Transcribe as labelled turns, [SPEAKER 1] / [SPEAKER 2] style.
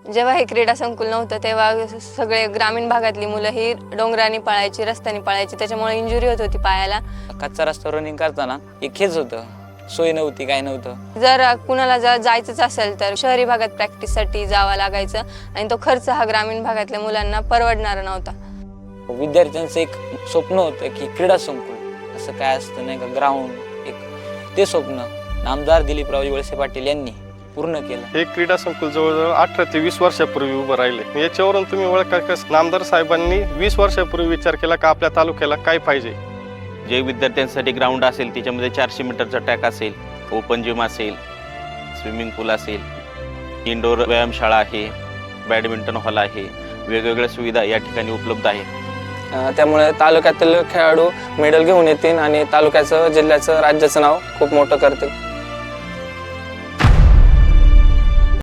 [SPEAKER 1] जेव्हा हे क्रीडा संकुल नव्हतं तेव्हा सगळे ग्रामीण भागातली मुलं ही डोंगराने पळायची, रस्त्याने पळायची, त्याच्यामुळे इंजुरी होत होती पायाला.
[SPEAKER 2] कच्चा रस्ता रनिंग करताना एक हेच होतं, सोय नव्हती, काय नव्हतं.
[SPEAKER 1] जर कुणाला जायचंच असेल तर शहरी भागात प्रॅक्टिससाठी जावं लागायचं आणि तो खर्च हा ग्रामीण भागातल्या मुलांना परवडणारा नव्हता.
[SPEAKER 2] विद्यार्थ्यांचं एक स्वप्न होतं की क्रीडा संकुल असं काय असतं नाही का, ग्राउंड, एक ते स्वप्न आमदार दिलीपरावजी वळसे पाटील यांनी पूर्ण केलं.
[SPEAKER 3] हे क्रीडा संकुल जवळजवळ 18 ते 20 वर्षापूर्वी उभं राहिले. याच्यावरून तुम्ही ओळखा कसं नामदार साहेबांनी 20 वर्षापूर्वी विचार केला का आपल्या तालुक्याला काय पाहिजे.
[SPEAKER 4] जे विद्यार्थ्यांसाठी ग्राउंड असेल त्याच्यामध्ये 400 मीटरचा ट्रॅक असेल, ओपन जिम असेल, स्विमिंग पूल असेल, इंडोर व्यायामशाळा आहे, बॅडमिंटन हॉल आहे, वेगवेगळ्या सुविधा या ठिकाणी उपलब्ध आहेत.
[SPEAKER 5] त्यामुळे तालुक्यातील खेळाडू मेडल घेऊन येतील आणि तालुक्याचं, जिल्ह्याचं, राज्याचं नाव खूप मोठं करतील.